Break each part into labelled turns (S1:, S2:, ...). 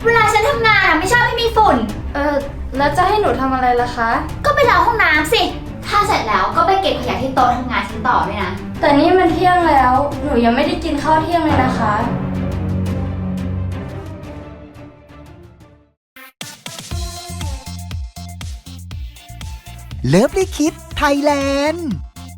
S1: เวลาฉันทำงานไม่ชอบให้มีฝุ่น
S2: แล้วจะให้หนูทำอะไรล่ะคะ
S1: ก็ไปล้างห้องน้ำสิถ้าเสร็จแล้วก็ไปเก็บขยะที่โต๊ะทำงานฉันต่อด้วยนะ
S2: แต่นี่มันเที่ยงแล้วหนูยังไม่ได้กินข้าวเที่ยงเลยนะคะ
S3: เลิฟลิคิดไทยแลนด์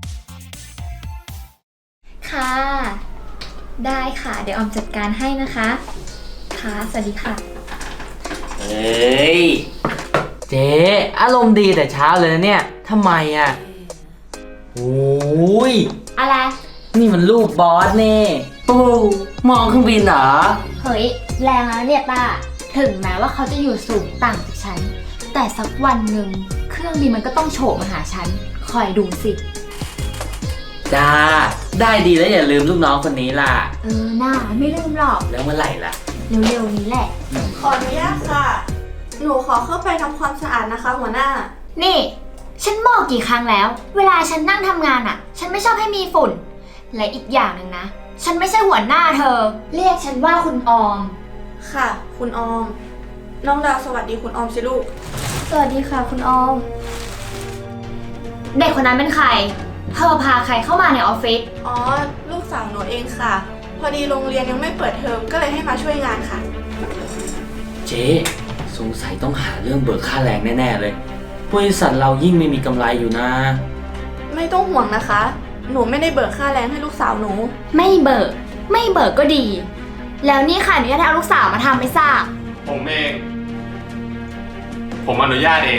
S1: ค่ะได้ค่ะเดี๋ยวออมจัดการให้นะคะค่ะสวัสดีค่ะ
S4: เฮ้ยเจ๊อารมณ์ดีแต่เช้าเลยนะเนี่ยทำไมอ่ะโอ้ย
S1: อะไร
S4: นี่มันลูกบอสเน่ปูมองเครื่องบินเหรอ
S1: เฮ้ยแรงแล้วเนี่ยป้าถึงแม้ว่าเขาจะอยู่สูงต่างจากฉันแต่สักวันหนึ่งเครื่องบินมันก็ต้องโฉบมาหาฉันคอยดูสิ
S4: จ้าได้ดีแล้วอย่าลืมลูกน้องคนนี้ล่ะ
S1: น่าไม่ลืมหรอก
S4: แล้วเมื่อไหร่ล่ะ
S1: เร็วๆนี้แหละ
S5: ขออนุญาตค่ะหนูขอเข้าไปทำความสะอาดนะคะหัวหน้า
S1: นี่ฉันบอกกี่ครั้งแล้วเวลาฉันนั่งทำงานฉันไม่ชอบให้มีฝุ่นและอีกอย่างหนึ่งนะฉันไม่ใช่หัวหน้าเธอเรียกฉันว่าคุณออม
S5: ค่ะคุณออมน้องดาวสวัสดีคุณออมสิลูก
S2: สวัสดีค่ะคุณออม
S1: เด็กคนนั้นเป็นใครเธอพาใครเข้ามาในออฟฟิศ
S5: อ๋อลูกสาวหนูเองค่ะพอดีโรงเรียนยังไม่เปิดเทอมก็เลยให้มาช่วยงานค่ะ
S4: เจ๊สงสัยต้องหาเรื่องเบิกค่าแรงแน่ๆเลยบริษัทเรายิ่งไม่มีกำไรอยู่นะ
S5: ไม่ต้องห่วงนะคะหนูไม่ได้เบิกค่าแรงให้ลูกสาวหนู
S1: ไม่เบิกก็ดีแล้วนี่ค่ะหนูจะเอาลูกสาวมาทำไม่ทราบ
S6: ผมเองผมอนุญาตเอง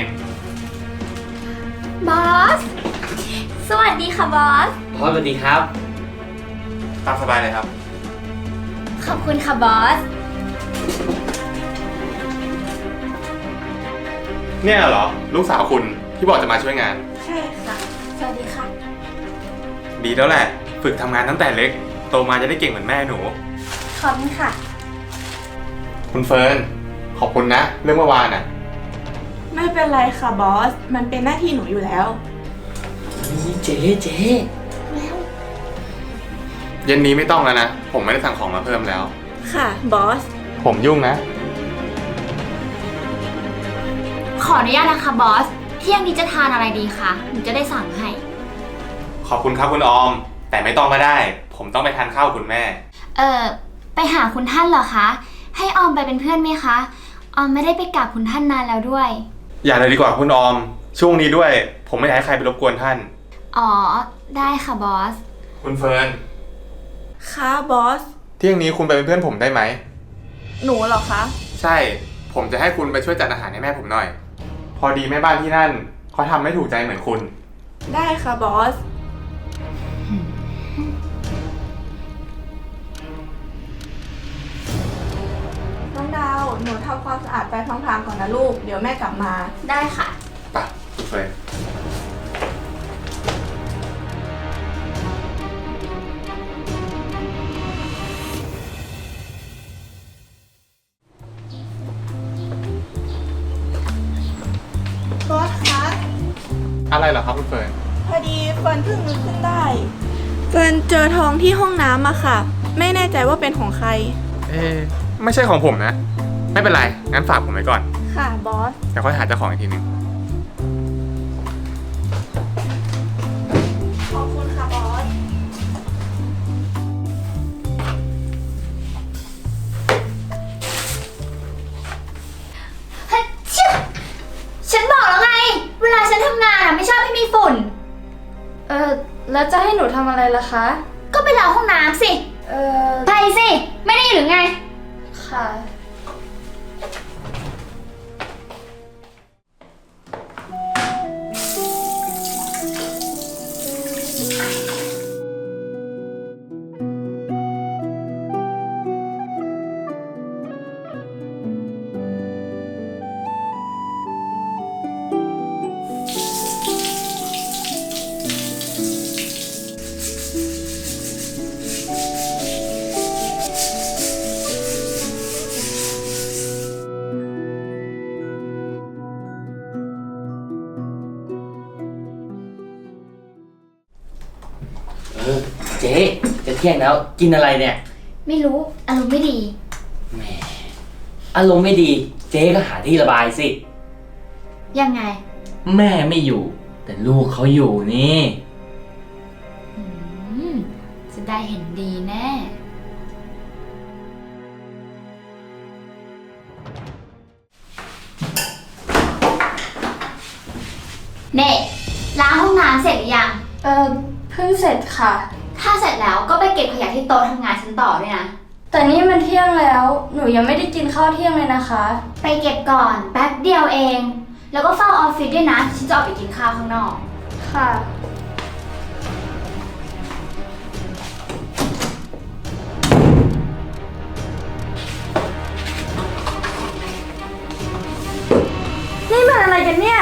S1: บอสสวัสดีค่ะบอส
S4: สวัสดีครับ
S6: ตามสบายเลยครับ
S1: ขอบคุณค่ะบอส
S6: เนี่ยเหรอลูกสาวคุณที่บอกจะมาช่วยงาน
S5: ใช่ค่ะสวัสดีค่ะ
S6: ดีแล้วแหละฝึกทำงานตั้งแต่เล็กโตมาจะได้เก่งเหมือนแม่หนู
S5: ขอบคุณค่ะ
S6: คุณเฟิร์นขอบคุณนะเรื่องเมื่อวานน่ะ
S5: ไม่เป็นไรค่ะบอสมันเป็นหน้าที่หนูอยู่แล้ว
S4: นี่เจ๊
S5: แล้ว
S6: เย็นนี้ไม่ต้องแล้วนะผมไม่ได้สั่งของมาเพิ่มแล้ว
S5: ค่ะบอส
S6: ผมยุ่งนะ
S1: ขออนุญาตนะคะบอสเที่ยงนี้จะทานอะไรดีคะหนูจะได้สั่งให้
S6: ขอบคุณครับคุณออมแต่ไม่ต้องก็ได้ผมต้องไปทานข้าวคุณแม่
S1: ไปหาคุณท่านเหรอคะให้ออมไปเป็นเพื่อนไหมคะออมไม่ได้ไปกราบคุณท่านนานแล้วด้วย
S6: อย่าเลยดีกว่าคุณออมช่วงนี้ด้วยผมไม่อยากให้ใครไปรบกวนท่าน
S1: อ๋อได้ค่ะบอส
S6: คุณเฟิร์น
S5: ค่ะบอส
S6: เที่ยงนี้คุณไปเป็นเพื่อนผมได้ไหม
S5: หนูเหรอคะ
S6: ใช่ผมจะให้คุณไปช่วยจัดอาหารให้แม่ผมหน่อยพอดีแม่บ้านที่นั่นเขาทำไม่ถูกใจเหมือนคุณ
S5: ได้ค่ะบอสน้องดาวหนูทำความสะอาดไปพลางๆก่อนนะลูกเดี๋ยวแม่กลับมา
S1: ได้ค่ะ
S6: ไปคุณเฟิร์น
S5: บอสคะ
S6: อะไรเหรอครับคุณเฟิร์น
S5: พอดีเฟิร์นเพิ่งนึกขึ้นได้เฟิร์นเจอทองที่ห้องน้ำอะค่ะไม่แน่ใจว่าเป็นของใคร
S6: ไม่ใช่ของผมนะไม่เป็นไรงั้นฝากผมไว้ก่อน
S5: ค่ะบอส
S6: เดี๋ยวค่อยหาเจ้าของอีกทีนึง
S5: ขอบคุณค่ะบอส
S1: ฉันบอกแล้วไงเวลาฉันทำงานไม่ชอบให้มีฝุ่น
S2: แล้วจะให้หนูทำอะไรล่ะคะ
S1: ก็ไปล้างห้องน้ำสิไปสิไม่ได้หรือไง
S2: ค่ะ
S4: เจ๊จะเที่ยงแล้วกินอะไรเนี่ย
S1: ไม่รู้อารมณ์ไม่ดี
S4: แหมอารมณ์ไม่ดีเจ๊ก็หาที่ระบายสิ
S1: ยังไง
S4: แม่ไม่อยู่ แต่ลูกเขาอยู่นี่
S1: อืม จะได้เห็นดีแน่ เน่ล้างห้องน้ำเสร็จหรือยัง
S2: เพิ่งเสร็จค่ะ
S1: ถ้าเสร็จแล้วก็ไปเก็บขยะที่โต๊ะทำงานฉันต่อด้วยนะ
S2: แต่นี่มันเที่ยงแล้ว หนูยังไม่ได้กินข้าวเที่ยงเลยนะคะ
S1: ไปเก็บก่อนแป๊บเดียวเอง แล้วก็เฝ้าออฟฟิศด้วยนะ ฉันจะออกไปกินข้าวข้างนอก
S2: ค่ะ นี่มันอะไรกันเนี่ย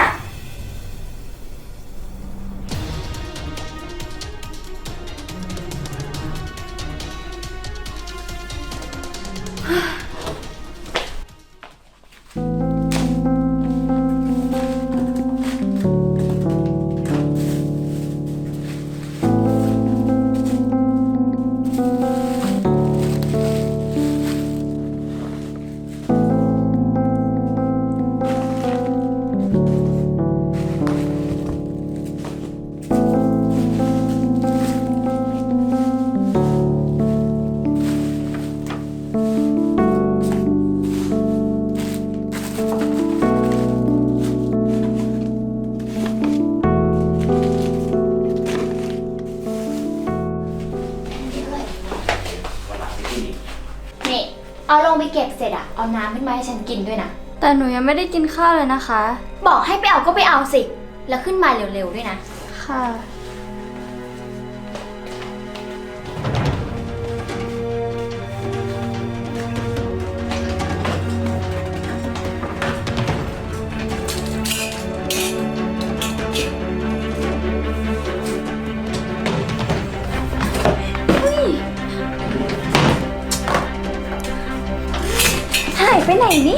S1: นี่ เอาลงไปเก็บเสร็จอะเอาน้ำขึ้นมาให้ฉันกินด้วยนะ
S2: แต่หนูยังไม่ได้กินข้าวเลยนะคะ
S1: บอกให้ไปเอาก็ไปเอาสิ แล้วขึ้นมาเร็วๆด้วยนะ
S2: ค่ะ
S1: หายไปไหนเนี่ย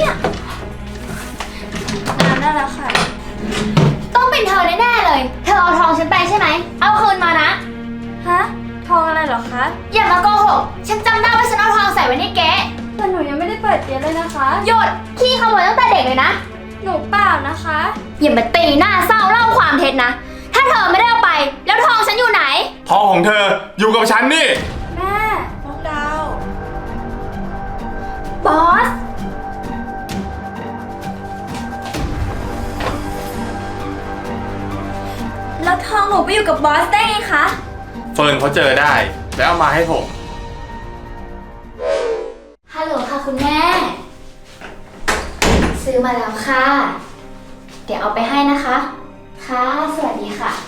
S2: น้ำได้แล้วค่ะ
S1: ต้องเป็นเธอแน่ๆเลย เธอเอาทองฉันไปใช่ไหม เอาคืนมานะ
S2: ฮะ ทองอะไรเหรอคะ
S1: อย่ามาโกหก ฉันจำได้ว่าฉันเอาทองใส่ไว้ในเก๊ะ
S2: แต่หนูยังไม่ได้เปิดเก๊เลยนะคะ
S1: หยุด ขี้ขโมยตั้งแต่เด็กเลยนะ
S2: หนูเปล่านะคะ
S1: อย่ามาตีหน้าเศร้าเล่าความเท็จนะ ถ้าเธอไม่ได้เอาไป แล้วทองฉันอยู่ไหน
S6: ทองของเธออยู่กับฉันนี่
S2: แม่
S5: น้องดาว
S1: บอส
S2: แล้วทองหนูไปอยู่กับบอสได้ไงคะ
S6: เฟิร์นเขาเจอได้ แล้วเอามาให้ผม
S1: ฮัลโหลค่ะคุณแม่ ซื้อมาแล้วค่ะ เดี๋ยวเอาไปให้นะคะ ค่ะ สวัสดีค่ะ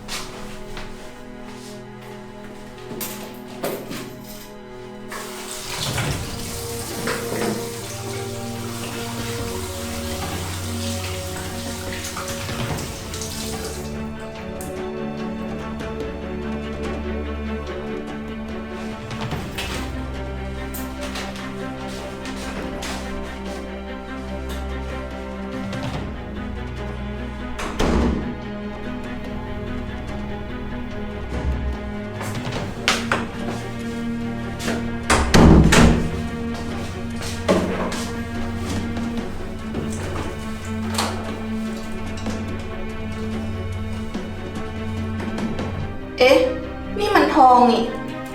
S5: เอ๊ะ นี่มันทองนี่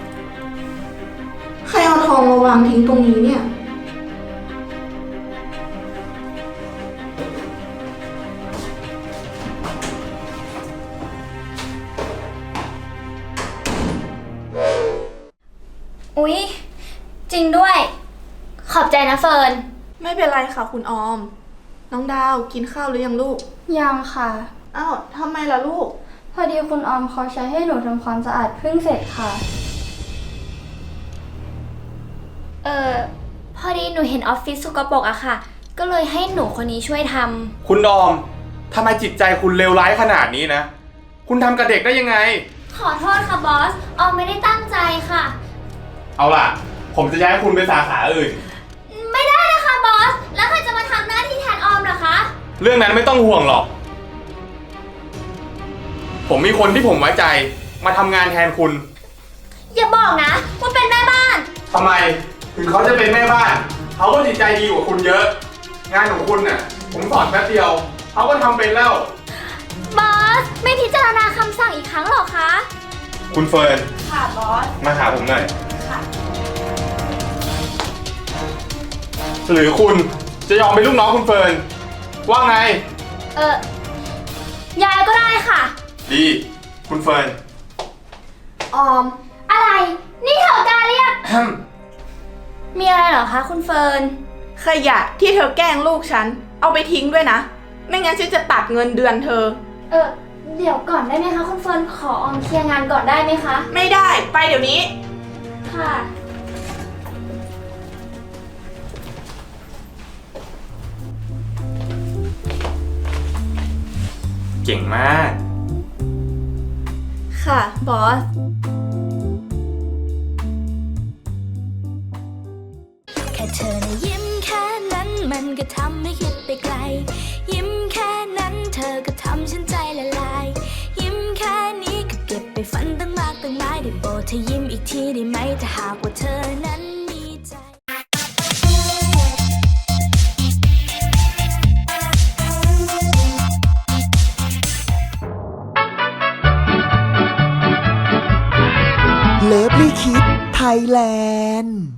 S5: ใครเอาทองมาวางทิ้งตรงนี้เนี่ย
S1: อุ๊ย จริงด้วย ขอบใจนะเฟิร์น
S5: ไม่เป็นไรค่ะคุณออม น้องดาวกินข้าวหรือยังลูก
S2: ยังค่ะ
S5: อ้าวทำไมล่ะลูก
S2: พอดีคุณออมเขาใช้ให้หนูทำความสะอาดเพิ่งเสร็จค่ะ
S1: พอดีหนูเห็นออฟฟิศสกปรกอะค่ะ ก็เลยให้หนูคนนี้ช่วยทำ
S6: คุณออมทำไมจิตใจคุณเลวร้ายขนาดนี้นะ คุณทำกับเด็กได้ยังไง
S1: ขอโทษค่ะบอส ออมไม่ได้ตั้งใจค่ะ
S6: เอาล่ะ ผมจะย้ายคุณไปสาขาอื่น
S1: ไม่ได้นะคะบอส แล้วใครจะมาทำหน้าที่แทนออมเหรอคะ
S6: เรื่องนั้นไม่ต้องห่วงหรอก ผมมีคนที่ผมไว้ใจมาทำงานแทนคุณ
S1: อย่าบอกนะว่าเป็นแม่บ้าน
S6: ทำไม ถึงเขาจะเป็นแม่บ้านเขาก็จิตใจดีกว่าคุณเยอะ งานของคุณน่ะ ผมสอนแป๊บเดียวเขาก็ทำเป็นแล้ว
S1: บอส ไม่พิจารณาคำสั่งอีกครั้งหรอคะ
S6: คุณเฟิร์น
S5: ค่ะบอส
S6: มาหาผมหน่อย หรือคุณจะยอมเป็นลูกน้องคุณเฟิร์น ว่าไง
S1: ยายก็ได้ค่ะ
S6: ดี คุณเฟิร์น
S2: ออม
S1: อะไร นี่เธอกล้าเรียก
S2: มีอะไรเหรอคะคุณเฟิร์น
S5: ขยะที่เธอแกล้งลูกฉัน เอาไปทิ้งด้วยนะ ไม่งั้นฉันจะตัดเงินเดือนเธอ
S2: เดี๋ยวก่อนได้ไหมคะคุณเฟิร์น ขอออมเคลียร์งานก่อนได้ไหมคะ
S5: ไม่ได้ ไปเดี๋ยวนี้
S2: ค่ะ
S6: เก่งมาก
S5: ค่ะบอส
S7: แค่เธอนะยิ้มแค่นั้นมันก็ทำให้คิดไปไกล ยิ้มแค่นั้นเธอก็ทำฉันใจละลาย ยิ้มแค่นี้ก็เก็บไปฝันตั้งมากตั้งหลายได้โปรดเธอยิ้มอีกทีได้ไหมถ้าหากว่าเธอนั้นมีใจ
S3: เลิฟลี่คิดไทยแลนด์